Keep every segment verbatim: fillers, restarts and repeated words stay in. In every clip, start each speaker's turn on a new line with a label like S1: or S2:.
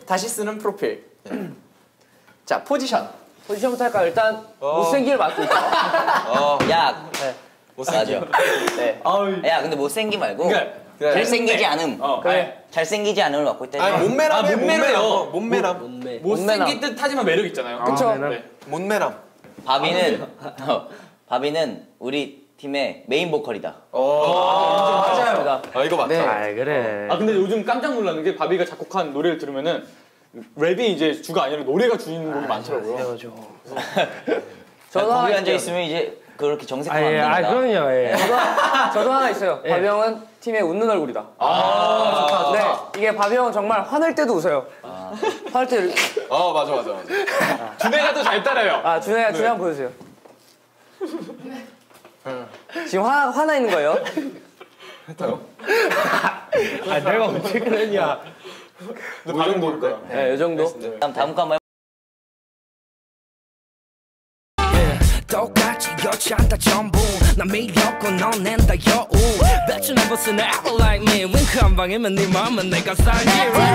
S1: 다시 쓰는 프로필. 자, 포지션.
S2: 포지션부터 할까요? 일단 어. 못생기를 맡고 있죠.
S3: 어. 야, 네.
S4: 못생겨.
S3: 네. 야, 근데 못생기 말고
S1: 그래,
S3: 그래. 잘생기지 않음.
S1: 어, 그래.
S3: 잘생기지 않음을 맡고 있다.
S4: 아니, 몸매람.
S1: 아, 몸매람요.
S4: 몸매람.
S1: 몸매. 못생긴 듯 하지만 매력 있잖아요.
S2: 아, 그쵸?
S1: 네.
S4: 몸매람.
S3: 바비는 어, 바비는 우리 팀의 메인 보컬이다.
S1: 아, 맞아요.
S4: 아, 이거 맞다.
S2: 네. 아, 그래.
S1: 아, 근데 요즘 깜짝 놀라는 게 바비가 작곡한 노래를 들으면은 랩이 이제 주가 아니라 노래가 주인공이 많더라고요.
S3: 저도 거기 앉아 있으면 이제 그렇게 정색하면 안 된다.
S2: 아, 그럼요. 예. 저도, 저도 하나 있어요. 예. 바비 형은 팀의 웃는 얼굴이다.
S1: 아, 좋다, 좋다.
S2: 네, 이게 바비 형은 정말 화낼 때도 웃어요. 아. 화낼 때.
S4: 어, 맞아, 맞아, 맞아.
S1: 준혜가 더 잘 따라요.
S2: 아, 준혜야, 준혜 한번 보여주세요. 지금 화, 화나 있는 거예요?
S4: 했다요?
S2: 아, 내가 언제 그랬냐.
S1: 근데 반응 모를 거야.
S2: 네, 이 정도.
S3: 다음 다음 거 한번
S5: 똑같이 여치 않다 전부 난 매력고 넌 낸다 여우 배추 넘버스는 apple like me 윙크 한 방이면 네 맘은 내가 살게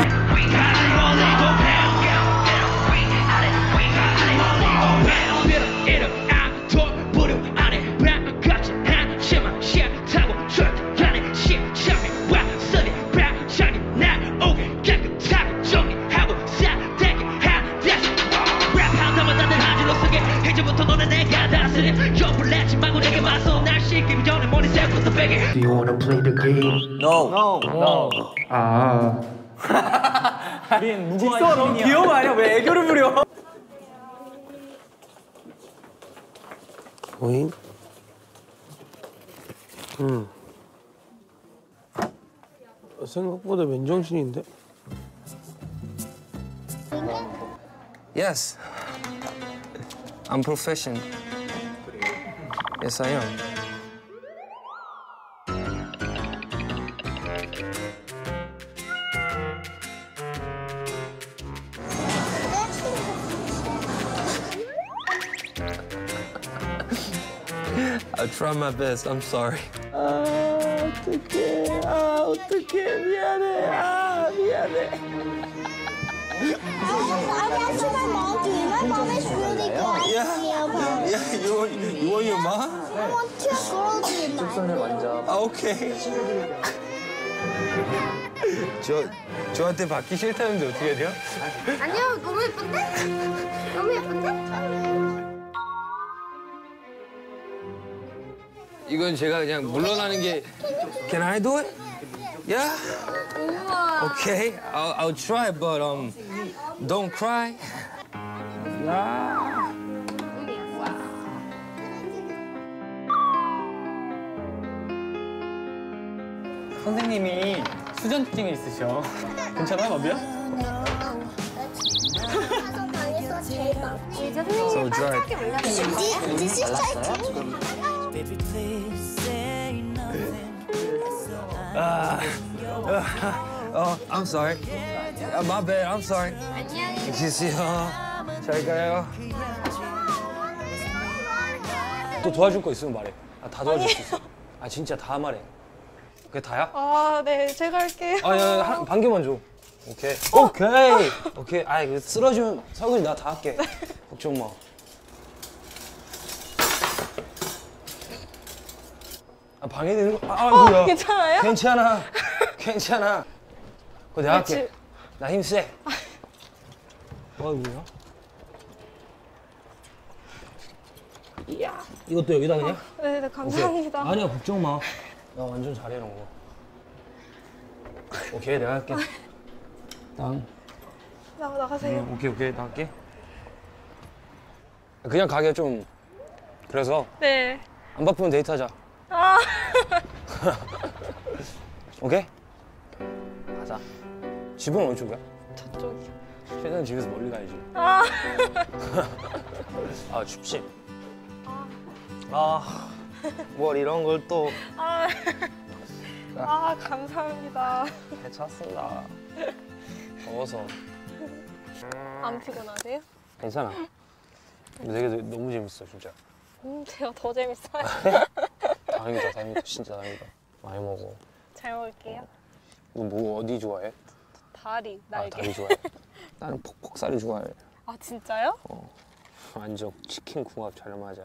S6: Do you wanna play the game?
S3: No.
S1: No.
S2: No.
S6: 아.
S1: 우린 무궁화 너무 귀여운 거 아니야? 왜 애교를 부려?
S6: 오잉? 음. 생각보다 맨정신인데?
S7: Yes. I'm professional. Yes, I am. I try my best. I'm sorry.
S6: 아, 어떡해. 아, 어떡해. 미안해. 아, 미안해.
S7: Yeah, you want, you want your mom?
S8: I want two girls in my room.
S7: 아, 오케이. 저, 저한테 받기 싫다는데 어떻게 해야 돼요?
S8: 아니요, 너무 예쁜데? 너무 예쁜데?
S7: 이건 제가 그냥 물러나는 게. Can I do it? Yeah?
S8: 우와.
S7: Okay, I'll, I'll try, but um, don't cry. Yeah.
S1: 선생님이 수전증이 있으셔. 괜찮아, 바비야?
S7: So dry.
S8: This is like
S7: Uh, oh, I'm sorry. Uh, my bad. I'm sorry.
S8: 안녕히
S7: 계세요. 잘 가요. 또 도와줄 거 있으면 말해. 아, 다 도와줄 수 있어. 아, 진짜 다 말해. 그게 다야?
S9: 아, 네, 제가 할게요.
S7: 아, 야, 야, 한, 반 개만 줘. 오케이. 오케이. 오케이. 아, 이거 쓰러지면 설거지 나 다 할게. 걱정 마. 아, 방해되는 거? 아, 아이고야.
S9: 어, 괜찮아요?
S7: 괜찮아. 괜찮아. 그거 내가 할게.
S9: 그치.
S7: 나 힘 세. 아이고야. 이야. 이것도 여기다 그냥?
S9: 아, 네, 네, 감사합니다.
S7: 오케이. 아니야, 걱정 마. 나 완전 잘해, 이런 거. 오케이, 내가 할게. 땅.
S9: 나, 나가세요.
S7: 응, 오케이, 오케이, 나 할게. 그냥 가게 좀. 그래서.
S9: 네.
S7: 안 바쁘면 데이트하자.
S9: 아.
S7: 오케이? 가자. 집은 어디 쪽이야?
S9: 저쪽이요.
S7: 최대한 집에서 멀리 가야지.
S9: 아.
S7: 아, 춥지? 아, 뭘 이런 걸 또.
S9: 아. 아, 감사합니다.
S7: 괜찮습니다. 더워서.
S9: 안 피곤하세요?
S7: 괜찮아. 되게 너무 재밌어, 진짜.
S9: 음, 제가 더 재밌어요.
S7: 다행이다, 다행이다. 진짜 다행이다. 많이 먹어.
S9: 잘 먹을게요.
S7: 너 뭐 어디 좋아해?
S9: 다리,
S7: 아,
S9: 날개.
S7: 다리 좋아해. 나는 퍽퍽살이 좋아해.
S9: 아 진짜요?
S7: 완전 치킨 궁합 잘 맞아.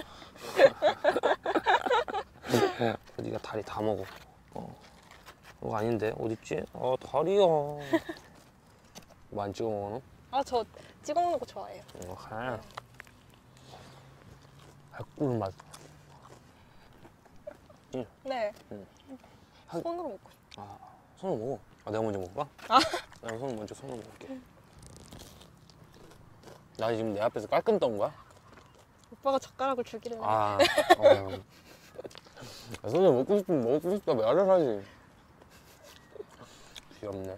S7: 네가 다리 다 먹어. 어. 어 아닌데 어딨지? 아 다리야. 많이 찍어 먹어 너?
S9: 아 저 찍어 먹는 거 좋아해요.
S7: 어 그래. 꿀 맛.
S9: 네.
S7: 응.
S9: 손으로 먹고 싶어.
S7: 아 손으로 먹어. 아 내가 먼저 먹을까?
S9: 아.
S7: 내가 손 먼저 손으로 먹을게. 나 지금 내 앞에서 깔끔 떤 거야?
S9: 오빠가 젓가락을 주기를.
S7: 아, 어. 아, 손을 먹고 싶으면 먹고 싶다 말을 하지. 귀엽네.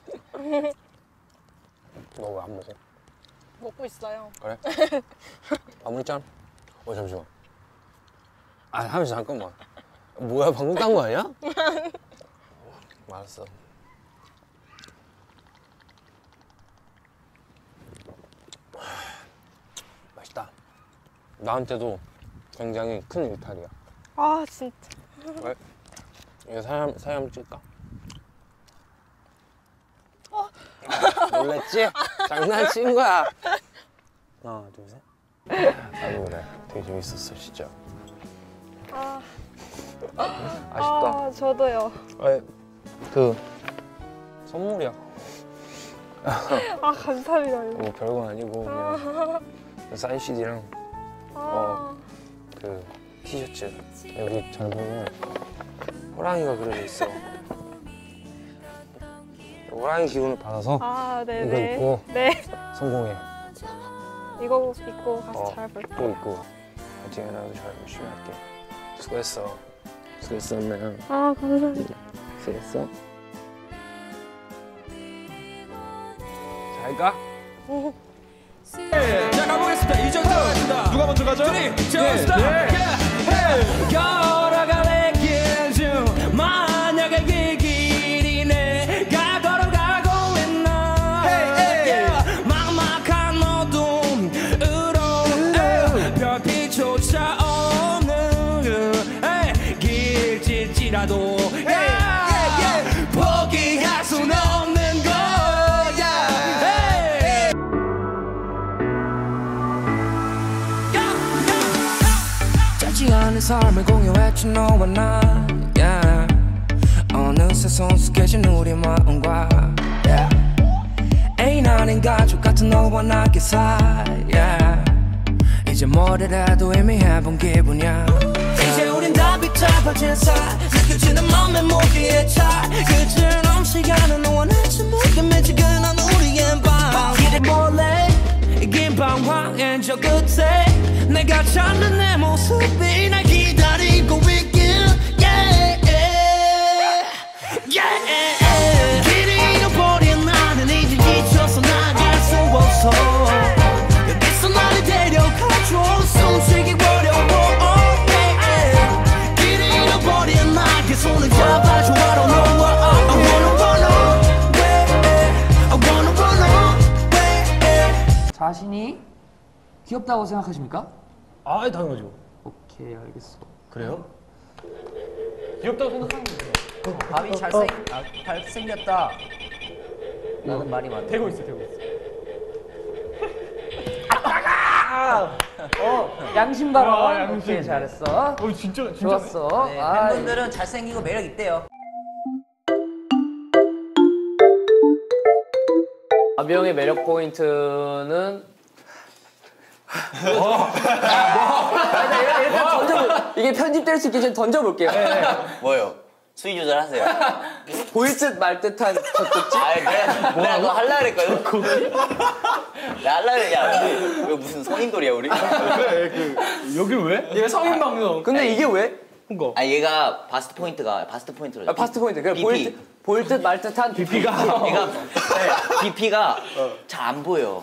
S7: 너 왜 안 먹어?
S9: 먹고 있어요.
S7: 그래? 아무리 짠? 어 잠시만. 아 하면서 잠깐만. 뭐야 방금 딴 거 아니야? 알았어. 맛있다. 나한테도 굉장히 큰 일탈이야.
S9: 아 진짜.
S7: 왜? 이거 사람 사람 찍까?
S9: 어.
S7: 놀랬지? 장난친 거야. 하나 둘 셋. 나도 그래. 되게 재밌었어 진짜.
S9: 아.
S7: 아쉽다.
S9: 아 저도요.
S7: 아, 그 선물이야.
S9: 아 감사합니다.
S7: 뭐 별건 아니고 그냥 사인 씨디랑
S9: 아.
S7: 어, 그 티셔츠 여기 잘 보면 호랑이가 그려져 있어. 호랑이 기운을 받아서
S9: 아
S7: 이거
S9: 네네.
S7: 입고
S9: 네.
S7: 성공해.
S9: 이거 입고 가서
S7: 어,
S9: 잘 볼게요.
S7: 또 입고 파이팅 해라도 잘 열심히 할게. 수고했어. 수고했었네.
S9: 아 감사합니다.
S7: 수고했어. 잘 가.
S5: 자 가보겠습니다. 이 정도
S1: 누가 먼저 가죠?
S5: 걸어갈래 길 만약에 이 길이 내가 걸어가고 있나 막막한 어둠으로 별빛조차 없는 길일지라도 포기할 순 없는 거야. 짧지 않은 삶을 공유했지 너와 나 yeah. 어느새 성숙해진 우리 마음과 yeah. 애인 아닌 가족 같은 너와 나 기사 yeah. 이제 뭐를 해도 이미 해본 기분이야 이제 우린 다 비춰버진 사이 느껴지는 맘의 모기의 차이 끝은 시간은 너와 나 침묵에 미치근한 우리의 밤 길을 몰래 긴 방황의 저 끝에 내가 찾는 내 모습이 날 기다리고 있길 yeah, yeah. 길을 잃어버린 나는 이제 지쳐서 나갈 수 없어 여기서 나를 데려가줘 숨쉬기 어려워 oh, yeah. 길을 잃어버린 나의 손을 잡아줘 I don't know what I wanna run away I wanna run away.
S2: 자신이 귀엽다고 생각하십니까?
S7: 아 당연하죠.
S2: 오케이 알겠어.
S7: 그래요?
S1: 귀엽다고 생각하는 거예요.
S2: 밥이 잘생 아, 잘생겼다. 라는 말이 많네.
S1: 되고 있어, 되고 있어.
S2: 어 양심 발언.
S1: 아, 양심.
S2: 오케이 잘했어.
S1: 어, 진짜, 진짜.
S2: 좋았어.
S10: 네,
S2: 아,
S10: 팬분들은 잘생기고 매력 있대요.
S2: 아비형의 매력 포인트는 일단, 일단 던져볼 이게 편집될 수 있기 전에 던져볼게요.
S3: 뭐요? 수위 조절하세요.
S2: 보일 듯 말 듯한 젖꼭지.
S3: 아 내가 내가 그거 할라 그랬거든. 내가 할라 그랬냐? 왜 무슨 성인돌이야 우리?
S1: 그래, 그, 여길 왜? 얘가 성인 방송.
S2: 근데 이게 왜?
S1: 그거.
S3: 아 얘가 바스트 포인트가 바스트 포인트로.
S2: 아, 파스트 포인트. 그래 보일 듯 보일 듯 말 듯한 비피가.
S3: 얘가 네, 비피가 잘 안 보여.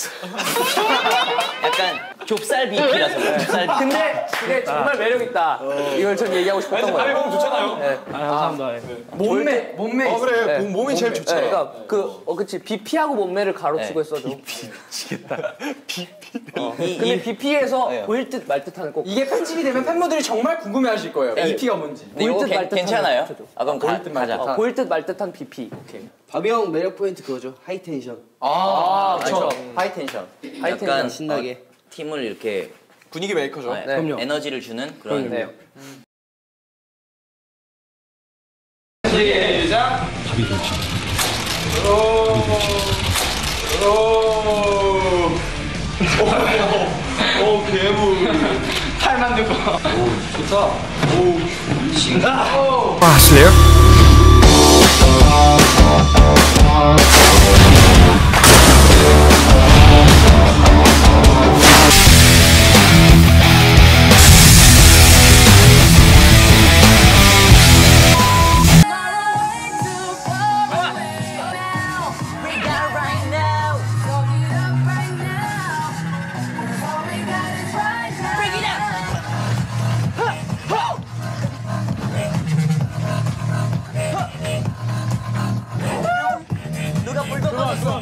S3: 약간 좁쌀 비피라서 그래, 좁쌀 비피.
S2: 근데 이게 정말 매력 있다. 이걸 전 얘기하고 싶었던 거예요.
S1: 보면 좋잖아요.
S2: 네.
S7: 아 감사합니다.
S2: 몸매 몸매.
S1: 어, 그래.
S2: 네.
S1: 몸- 몸이 제일 좋잖아.
S2: 네, 그러니까 그 어 그치 비피하고 몸매를 가로치고
S3: 네.
S2: 했어도.
S1: 미치겠다. 비피.
S3: 이,
S2: 근데
S3: 이,
S2: 비피에서
S3: 네.
S2: 보일 듯 말 듯한 꼭.
S1: 이게 편집이 되면 팬분들이 정말 궁금해하실 거예요.
S2: 네.
S1: 이피가 뭔지.
S3: 근데 이거
S2: 보일 듯
S3: 괜-
S2: 말 듯한
S3: 괜찮아요?
S2: 거.
S3: 아 그럼 가, 가자.
S2: 어, 보일 듯 말 듯한 비피. 오케이.
S7: 바비 형 매력 포인트 그거죠. 하이 텐션.
S3: 아,
S1: 그렇죠.
S3: 하이 텐션.
S7: 하이 텐션 신나게.
S3: 어, 팀을 이렇게
S4: 분위기 메이커죠.
S3: 네,
S7: 그럼요.
S3: 에너지를 주는 그런.
S7: 네.
S1: 오 괴물. 팔 만들고. 오 좋다. 오 신가.
S5: 아, 슬레이어?
S3: 누가 불도 꺼졌어.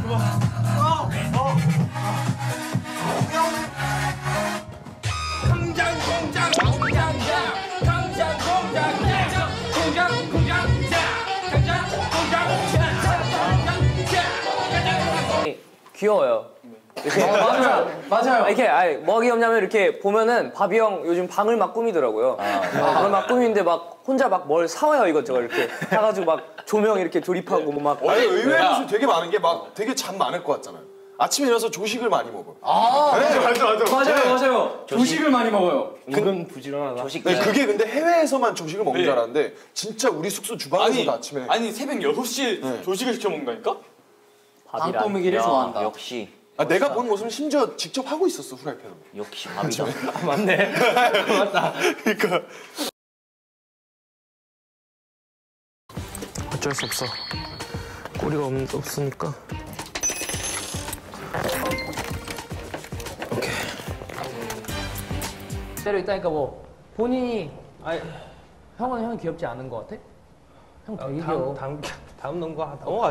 S2: 귀여워요. 이렇게 맞아요, 맞아요. 이렇게 아니, 뭐가 귀엽냐면 이렇게 보면은 바비 형 요즘 방을 막 꾸미더라고요. 아, 방을 막 꾸미는데 막 혼자 막 뭘 사와요 이것저것 이렇게 사가지고 막 조명 이렇게 조립하고 막.
S11: 아니 의외로 되게 많은 게 막 되게 잠 많을 것 같잖아요. 아침에 일어나서 조식을 많이 먹어요.
S1: 아
S11: 네.
S1: 맞아 맞아 맞아요 맞아요. 조식을 많이 먹어요.
S7: 은근 부지런하다.
S3: 조식.
S11: 네, 그게 근데 해외에서만 조식을 먹는
S1: 네.
S11: 줄 알았는데 진짜 우리 숙소 주방에서도
S1: 아니
S11: 아침에
S1: 아니 새벽 여섯 시에
S11: 네.
S1: 조식을 시켜 먹는다니까?
S3: 방 꾸미기를 좋아한다. 역시.
S11: 아, 내가 본 모습은 심지어 직접 하고 있었어 후라이팬으로.
S3: 역시 밥이다.
S7: 맞네. 맞다.
S11: 그러니까
S6: 어쩔 수 없어. 꼬리가 없, 없으니까.
S2: 때려 있다니까 뭐 본인이 아니 형은 형이 귀엽지 않은 것 같아? 형 되게 귀여워.
S7: 다음 다음 다음 농구 하다. 어,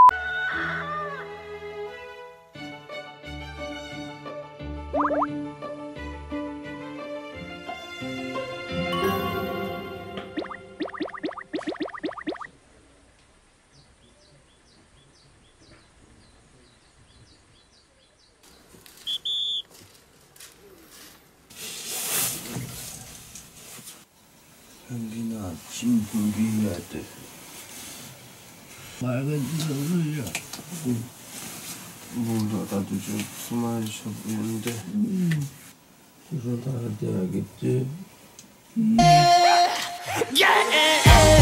S6: 여기나 진부리야 돼. 맑은 저물이야. 몰라 나도 좀 숨만 쉬어 보이는데. 음. 그러다 돼야겠지. 음.